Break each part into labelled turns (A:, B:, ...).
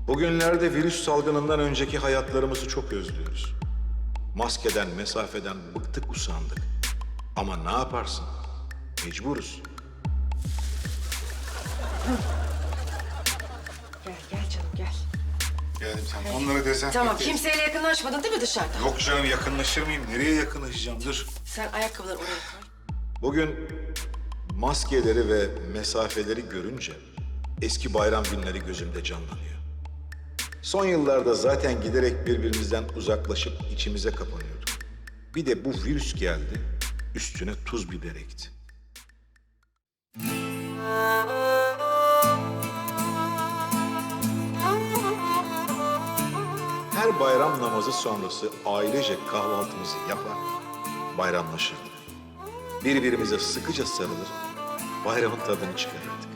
A: Bugünlerde virüs salgınından önceki hayatlarımızı çok özlüyoruz. Maskeden, mesafeden bıktık, usandık. Ama ne yaparsın? Mecburuz.
B: Gel canım gel.
A: Geldim, sen onları dezenfekte
B: Tamam,
A: et.
B: kimseyle yakınlaşmadın değil mi dışarıda?
A: Yok canım, yakınlaşır mıyım? Nereye yakınlaşacağım? Dur.
B: Sen ayakkabıları oraya koy.
A: Bugün maskeleri ve mesafeleri görünce eski bayram günleri gözümde canlanıyor. Son yıllarda zaten giderek birbirimizden uzaklaşıp içimize kapanıyorduk. Bir de bu virüs geldi, üstüne tuz biber ekti. Her bayram namazı sonrası ailece kahvaltımızı yapar, bayramlaşırdık. Birbirimize sıkıca sarılır, bayramın tadını çıkarırdık.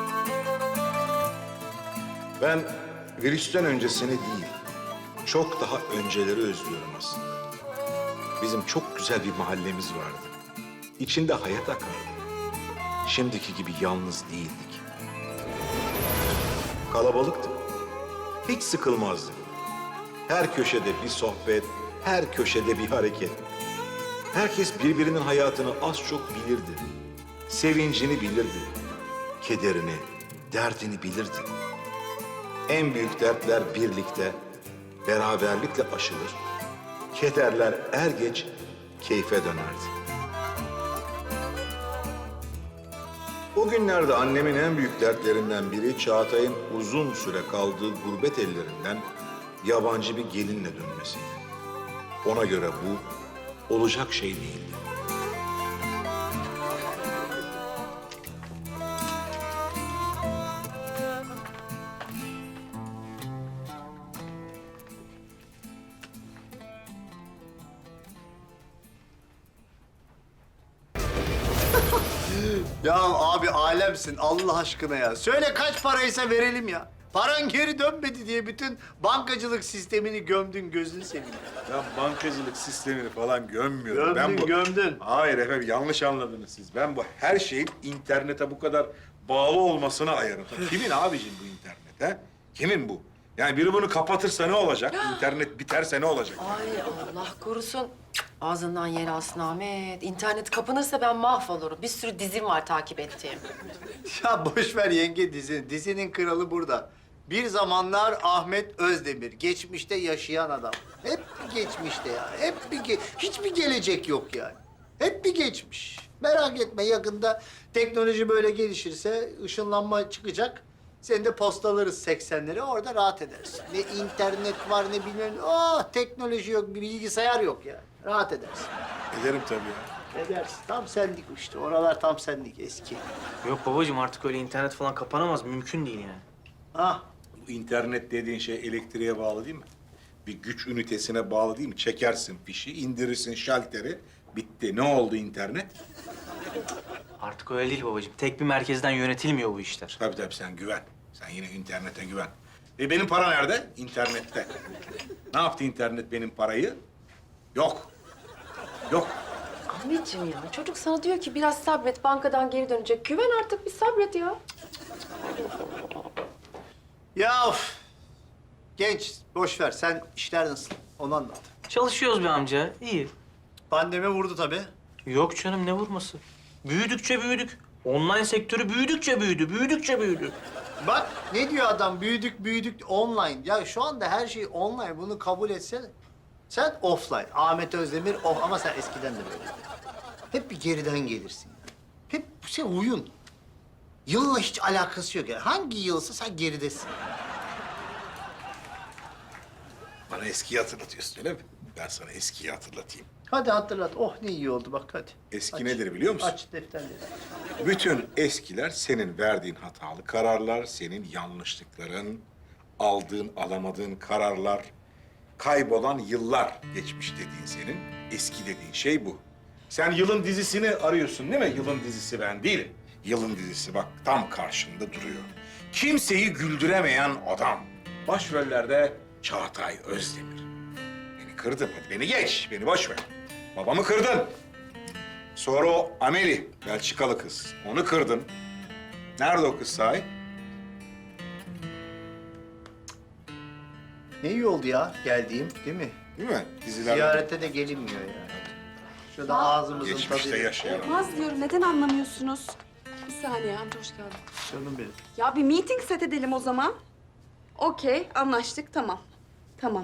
A: Ben virüsten öncesini değil, çok daha önceleri özlüyorum aslında. Bizim çok güzel bir mahallemiz vardı. İçinde hayat akardı. Şimdiki gibi yalnız değildik. Kalabalıktık. Hiç sıkılmazdık. Her köşede bir sohbet, her köşede bir hareket. Herkes birbirinin hayatını az çok bilirdi. Sevincini bilirdi. Kederini, derdini bilirdi. En büyük dertler birlikte, beraberlikle aşılır. Kederler er geç keyfe dönerdi. O günlerde annemin en büyük dertlerinden biri Çağatay'ın uzun süre kaldığı gurbet ellerinden yabancı bir gelinle dönmesiydi. Ona göre bu olacak şey değildi.
C: Ya abi alemsin Allah aşkına ya. Söyle kaç paraysa verelim ya. Paran geri dönmedi diye bütün bankacılık sistemini gömdün, gözünü seveyim.
A: Ben bankacılık sistemini falan gömmüyorum.
C: Gömdün.
A: Hayır efendim, yanlış anladınız siz. Ben bu her şeyin internete bu kadar bağlı olmasına ayarım. Kimin abicim bu internet ha? Kimin bu? Yani biri bunu kapatırsa ne olacak? İnternet biterse ne olacak?
B: Ay Allah korusun. Ağzından yer alsın Ahmet. İnternet kapanırsa ben mahvolurum. Bir sürü dizim var takip ettiğim.
C: Ya boş ver yenge dizini. Dizinin kralı burada. Bir zamanlar Ahmet Özdemir. Geçmişte yaşayan adam. Hep bir geçmişte ya. Hep bir hiçbir gelecek yok yani. Hep bir geçmiş. Merak etme yakında teknoloji böyle gelişirse ışınlanma çıkacak. Seni de postalarız 80'lere orada rahat edersin. Ne internet var ne bilmem. Oh teknoloji yok, bir bilgisayar yok ya. Rahat edersin.
A: Ederim tabii ya.
C: Edersin. Tam senlik işte. Oralar tam senlik eski.
D: Yok babacığım artık öyle internet falan kapanamaz. Mümkün değil yani.
C: Ah
A: Bu internet dediğin şey elektriğe bağlı değil mi? Bir güç ünitesine bağlı değil mi? Çekersin fişi, indirirsin şalteri. Bitti. Ne oldu internet?
D: Artık öyle değil babacığım. Tek bir merkezden yönetilmiyor bu işler.
A: Tabii tabii, sen güven. Sen yine internete güven. Benim para nerede? İnternette. Ne yaptı internet benim parayı? Yok. Yok.
B: Ahmetciğim ya, çocuk sana diyor ki biraz sabret, bankadan geri dönecek. Güven artık, bir sabret ya.
C: ya of. Genç boş ver. Sen işler nasıl? Onu anlat.
D: Çalışıyoruz be amca. İyi.
C: Pandemi vurdu tabii.
D: Yok canım ne vurması? Büyüdükçe büyüdük. Online sektörü büyüdükçe büyüdü, büyüdükçe büyüdü.
C: Bak ne diyor adam? Büyüdük online. Ya şu anda her şey online. Bunu kabul etsene. Sen offline. Ahmet Özdemir off. Ama sen eskiden de böyle. Hep bir geriden gelirsin. Hep sen uyun. Yılla hiç alakası yok yani. Hangi yılsa sen geridesin.
A: Bana eskiyi hatırlatıyorsun öyle mi? Ben sana eskiyi hatırlatayım.
C: Hadi hatırlat. Oh ne iyi oldu bak hadi.
A: Eski
C: Aç.
A: nedir biliyor musun?
C: Aç defterleri.
A: Bütün eskiler senin verdiğin hatalı kararlar, senin yanlışlıkların, aldığın, alamadığın kararlar, kaybolan yıllar geçmiş dediğin senin, eski dediğin şey bu. Sen yılın dizisini arıyorsun değil mi? Yılın dizisi ben değilim. Yılın dizisi bak tam karşında duruyor. Kimseyi güldüremeyen adam. Başrollerde Çağatay Özdemir. Beni kırdın, hadi beni geç, beni boş ver. Babamı kırdın. Sonra o Ameli, Belçikalı kız. Onu kırdın. Nerede o kız sahi?
C: Ne iyi oldu ya geldiğim, değil mi?
A: Değil mi? Diziler
C: Ziyarete de gelinmiyor ya. Şurada ağzımızın
A: geçmişte
C: tadıyla.
A: yaşayan.
E: Olmaz diyorum. Neden anlamıyorsunuz? Bir saniye amca hoş geldin.
C: Canım benim.
E: Ya bir meeting set edelim o zaman. Okey, anlaştık. Tamam. Tamam.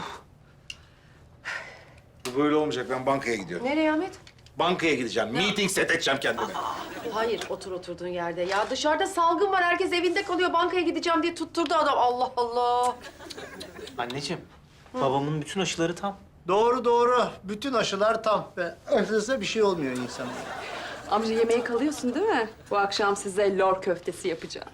A: Bu böyle olmayacak. Ben bankaya gidiyorum.
B: Nereye Ahmet?
A: Bankaya gideceğim. Meeting set edeceğim kendime.
B: Hayır, otur oturduğun yerde. Ya dışarıda salgın var, herkes evinde kalıyor. Bankaya gideceğim diye tutturdu adam. Allah Allah.
D: Anneciğim, babamın bütün aşıları tam.
C: Doğru doğru. Bütün aşılar tam. Ve aşılırsa bir şey olmuyor insana.
E: Amca yemeğe kalıyorsun değil mi? Bu akşam size lor köftesi yapacağım.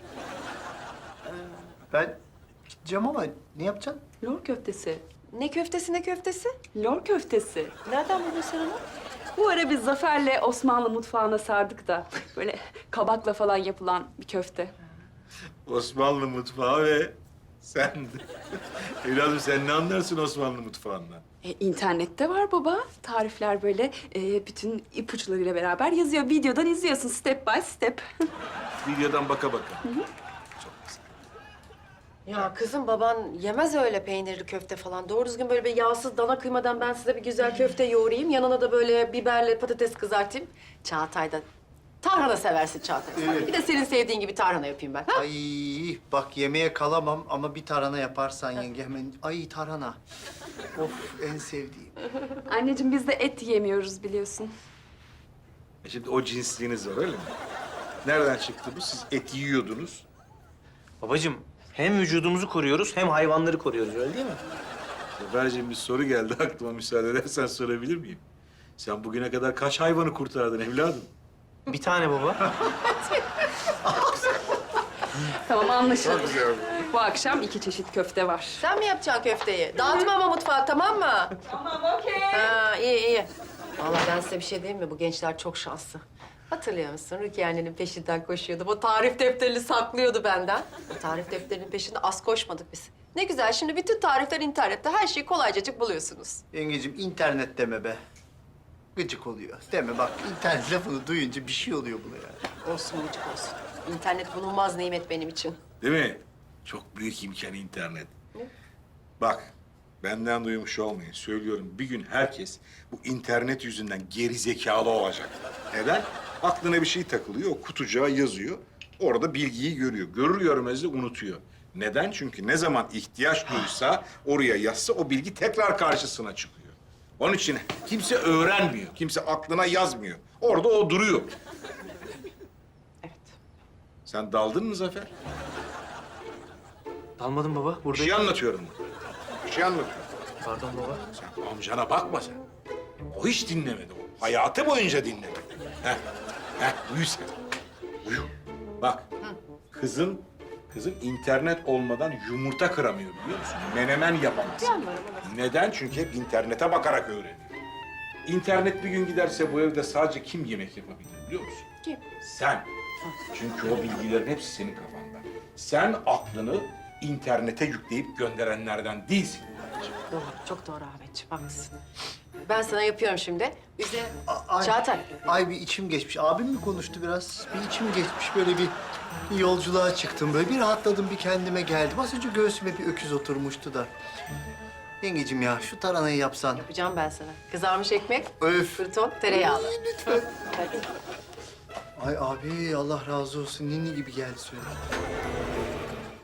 C: Ben gideceğim ama ne yapacaksın?
E: Lor köftesi.
B: Ne köftesi, ne köftesi?
E: Lor köftesi.
B: Nereden buldun sen onu?
E: Bu ara biz Zafer'le Osmanlı mutfağına sardık da böyle kabakla falan yapılan bir köfte.
A: Osmanlı mutfağı ve sen. Evladım sen ne anlarsın Osmanlı mutfağından?
E: İnternette var baba. Tarifler böyle bütün ipuçlarıyla beraber yazıyor. Videodan izliyorsun step by step.
A: Videodan baka baka.
B: Ya kızım baban yemez öyle peynirli köfte falan. Doğru düzgün böyle bir yağsız dana kıymadan ben size bir güzel köfte yoğurayım. Yanına da böyle biberle patates kızartayım. Çağatay da tarhana seversin Çağatay.
C: Evet.
B: Bir de senin sevdiğin gibi tarhana yapayım ben. Ha?
C: Ay bak yemeğe kalamam ama bir tarhana yaparsan yenge hemen... Ay tarhana. Of en sevdiğim.
E: Anneciğim biz de et yemiyoruz biliyorsun.
A: Şimdi o cinsliğiniz var öyle mi? Nereden çıktı bu? Siz et yiyordunuz.
D: Babacığım, hem vücudumuzu koruyoruz hem hayvanları koruyoruz, öyle değil mi?
A: Seferciğim bir soru geldi aklıma müsaade edersen sorabilir miyim? Sen bugüne kadar kaç hayvanı kurtardın evladım?
D: Bir tane baba.
E: Tamam anlaşıldı.
A: güzel.
E: Bu akşam 2 çeşit köfte var.
B: Sen mi yapacaksın köfteyi? Dağıtma ama mutfağı tamam mı?
E: Tamam okey.
B: Ha iyi iyi. Vallahi ben size bir şey diyeyim mi? Bu gençler çok şanslı. Hatırlıyor musun? Rukiye annenin peşinden koşuyordu. O tarif defterini saklıyordu benden. O tarif defterinin peşinde az koşmadık biz. Ne güzel şimdi bütün tarifler internette. Her şeyi kolaycacık buluyorsunuz.
C: Yengeciğim internet deme be. Gıcık oluyor. Deme bak internet lafını duyunca bir şey oluyor buna ya.
B: Olsun gıcık olsun. İnternet bulunmaz nimet benim için.
A: Değil mi? Çok büyük imkan internet. Bak, benden duymuş olmayın. Söylüyorum bir gün herkes bu internet yüzünden geri zekalı olacak. Neden? Aklına bir şey takılıyor, o kutucuğa yazıyor. Orada bilgiyi görüyor. Görür görmez de unutuyor. Neden? Çünkü ne zaman ihtiyaç duysa, oraya yazsa o bilgi tekrar karşısına çıkıyor. Onun için kimse öğrenmiyor, kimse aklına yazmıyor. Orada o duruyor.
B: Evet.
A: Sen daldın mı Zafer?
D: Dalmadım baba,
A: Bir
D: buradayım.
A: şey anlatıyorum. Bir şey anlatıyorum.
D: Pardon baba.
A: Sen amcana bakma sen. O hiç dinlemedi o. Hayatı boyunca dinlemedi. Uyu sen. Uyu. Bak, kızın internet olmadan yumurta kıramıyor biliyor musun? Menemen yapamaz. Neden? Çünkü hep internete bakarak öğreniyor. İnternet bir gün giderse bu evde sadece kim yemek yapabilir biliyor musun?
B: Kim?
A: Sen. Çünkü o bilgilerin hepsi senin kafanda. Sen aklını internete yükleyip gönderenlerden değilsin.
B: Doğru, çok doğru Ahmetciğim. Haklısın. Ben sana yapıyorum şimdi. Bize
C: Ay,
B: Çağatay.
C: Ay bir içim geçmiş. Abim mi konuştu biraz? Bir içim geçmiş. Böyle bir yolculuğa çıktım. Böyle bir rahatladım, bir kendime geldim. Az önce göğsüme bir öküz oturmuştu da. Yengeciğim ya şu taranayı yapsan.
B: Yapacağım ben sana. Kızarmış ekmek,
C: Öf.
B: fırton, tereyağlı.
C: Ay, lütfen.
B: Hadi.
C: Ay abi Allah razı olsun. Ninni gibi geldi söyle.